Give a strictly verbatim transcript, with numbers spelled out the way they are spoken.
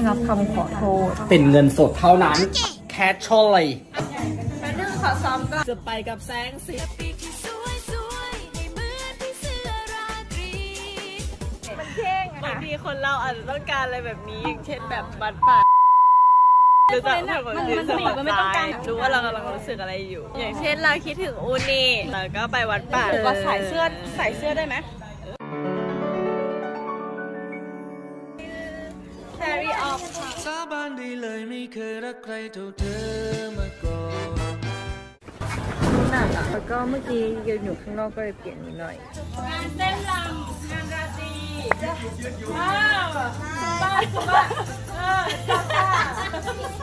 รับคำขอโทษเป็นเงินสดเท่านั้น cash only แป๊บนึงขอซ้อมก่อนจะไปกับแสงสีมันเท่งบางทีคนเราอาจจะต้องการอะไรแบบนี้อย่างเช่นแบบบัตรป่าหรือแบบมันมันมันไม่ต้องการรู้ว่าเรากำลังรู้สึกอะไรอยู่อย่างเช่นเราคิดถึงอูนี่แล้วก็ไปวัดป่าก็ใส่เสื้อใส่เสื้อได้ไหมแซรี่ออฟสาบานได้เลยไม่เคยรักใครเท่าเธอมาก่อนหนักอ่ะแล้วก็เมื่อกี้ยืนอยู่ข้างนอกก็เลยเปลี่ยนนิดหน่อยงานเต้นรำงานราตรีว้าวบ้าบ้าเออจ้า